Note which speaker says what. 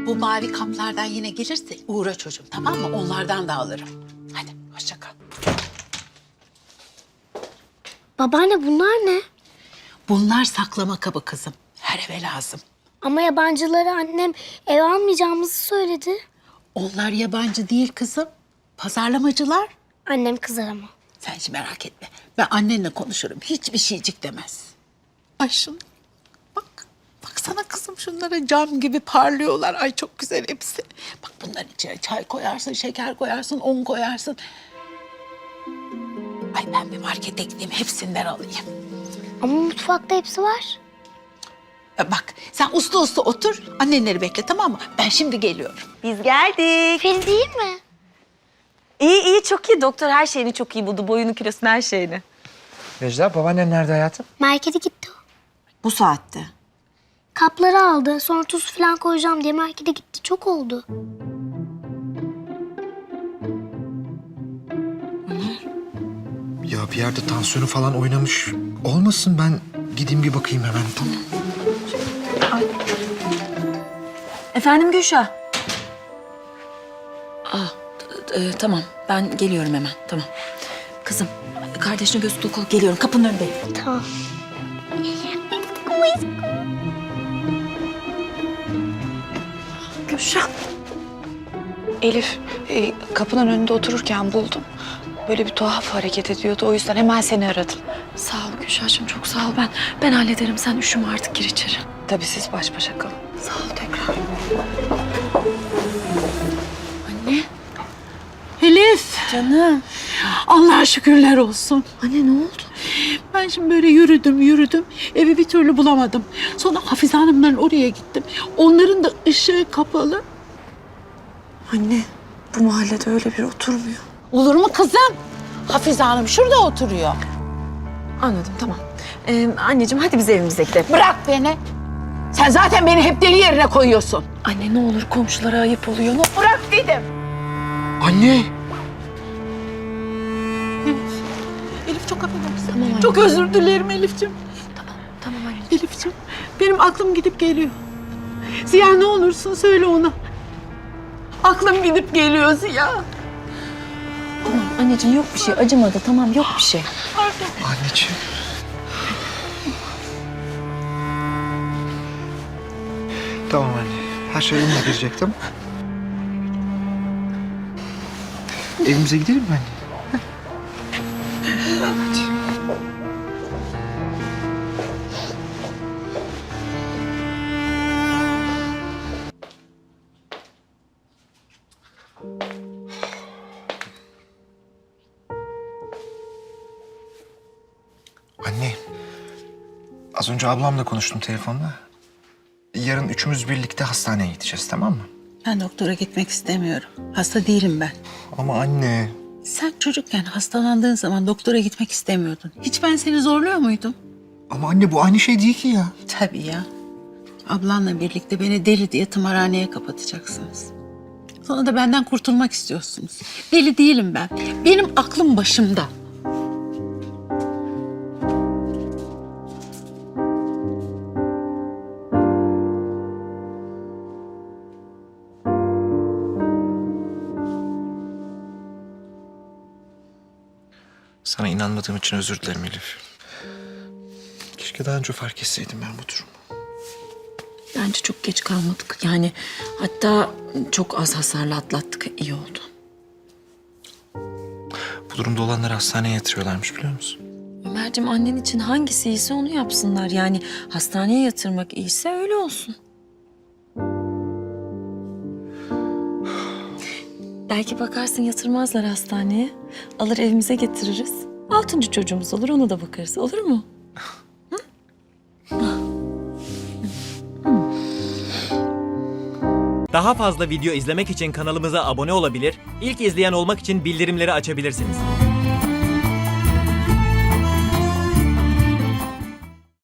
Speaker 1: Bu mavi kaplardan yine gelirse uğra çocuğum, tamam mı? Onlardan da alırım. Hadi hoşça kal.
Speaker 2: Babaanne bunlar ne?
Speaker 1: Bunlar saklama kabı kızım. Her eve lazım.
Speaker 2: Ama yabancıları annem eve almayacağımızı söyledi.
Speaker 1: Onlar yabancı değil kızım. Pazarlamacılar.
Speaker 2: Annem kızar ama.
Speaker 1: Sen hiç merak etme. Ben annenle konuşurum. Hiçbir şeycik demez. Ay şunu bak. Baksana kızım şunlara cam gibi parlıyorlar. Ay çok güzel hepsi. Bak bunların içine çay koyarsın, şeker koyarsın, un koyarsın. Ay ben bir markete gideyim hepsinden alayım.
Speaker 2: Ama mutfakta hepsi var.
Speaker 1: Bak sen uslu uslu otur. Annenleri bekle, tamam mı? Ben şimdi geliyorum.
Speaker 3: Biz geldik.
Speaker 2: Feri değil mi?
Speaker 3: İyi çok iyi. Doktor her şeyini çok iyi buldu. Boyunu, kilosunu, her şeyini.
Speaker 4: Necla, babaannen nerede hayatım?
Speaker 2: Markete gitti o.
Speaker 3: Bu saatte.
Speaker 2: Kapları aldı. Sonra tuz falan koyacağım diye markete gitti. Çok oldu.
Speaker 4: Ya bir yerde tansiyonu falan oynamış. Olmasın, ben gideyim bir bakayım hemen. Tamam.
Speaker 3: Efendim Gülşah? Tamam. Ben geliyorum hemen. Tamam. Kızım, kardeşine göz kulak ol. Geliyorum. Kapının önündeyim.
Speaker 2: Tamam.
Speaker 5: Gülşah. Elif kapının önünde otururken buldum. Böyle bir tuhaf hareket ediyordu. O yüzden hemen seni aradım.
Speaker 6: Sağ ol Gülşah'cığım, çok sağ ol. Ben hallederim. Sen üşüme artık, gir içeri.
Speaker 5: Tabii siz baş başa kalın.
Speaker 6: Sağ ol tekrar.
Speaker 1: Elif.
Speaker 3: Canım.
Speaker 1: Allah'a şükürler olsun.
Speaker 3: Anne ne oldu?
Speaker 1: Ben şimdi böyle yürüdüm. Evi bir türlü bulamadım. Sonra Hafize Hanımların oraya gittim. Onların da ışığı kapalı.
Speaker 5: Anne bu mahallede öyle biri oturmuyor.
Speaker 1: Olur mu kızım? Hafize Hanım şurada oturuyor.
Speaker 3: Anladım, tamam. Anneciğim hadi biz evimize gidelim.
Speaker 1: Bırak beni. Sen zaten beni hep deli yerine koyuyorsun.
Speaker 6: Anne ne olur, komşulara ayıp oluyor.
Speaker 1: Bırak dedim.
Speaker 4: Anne!
Speaker 1: Elif çok affedersin.
Speaker 6: Tamam anne.
Speaker 1: Çok özür dilerim Elif'ciğim.
Speaker 6: Tamam anne.
Speaker 1: Elif'ciğim benim aklım gidip geliyor. Ziya ne olursun söyle ona. Aklım gidip geliyor Ziya.
Speaker 3: Tamam anneciğim yok bir şey. Acımadı, tamam yok bir şey.
Speaker 4: Anneciğim. Tamam anne. Her şey yoluna girecek, tamam. Evimize gidelim mi anne? Hadi. Anne, az önce ablamla konuştum telefonda. Yarın üçümüz birlikte hastaneye gideceğiz, tamam mı?
Speaker 1: Ben doktora gitmek istemiyorum. Hasta değilim ben.
Speaker 4: Ama anne...
Speaker 1: Sen çocukken hastalandığın zaman doktora gitmek istemiyordun. Hiç ben seni zorluyor muydum?
Speaker 4: Ama anne bu aynı şey değil ki ya.
Speaker 1: Tabii ya. Ablanla birlikte beni deli diye tımarhaneye kapatacaksınız. Sonra da benden kurtulmak istiyorsunuz. Deli değilim ben. Benim aklım başımda.
Speaker 4: Sana inanmadığım için özür dilerim Elif. Keşke daha önce fark etseydim ben bu durumu.
Speaker 6: Bence çok geç kalmadık. Yani hatta çok az hasarla atlattık. İyi oldu.
Speaker 4: Bu durumda olanları hastaneye yatırıyorlarmış, biliyor musun?
Speaker 6: Ömerciğim, annen için hangisi iyiyse onu yapsınlar. Yani hastaneye yatırmak iyiyse öyle olsun. Belki bakarsın yatırmazlar hastaneye. Alır evimize getiririz. 6. çocuğumuz olur, ona da bakarız. Olur mu?
Speaker 7: Daha fazla video izlemek için kanalımıza abone olabilir, ilk izleyen olmak için bildirimleri açabilirsiniz.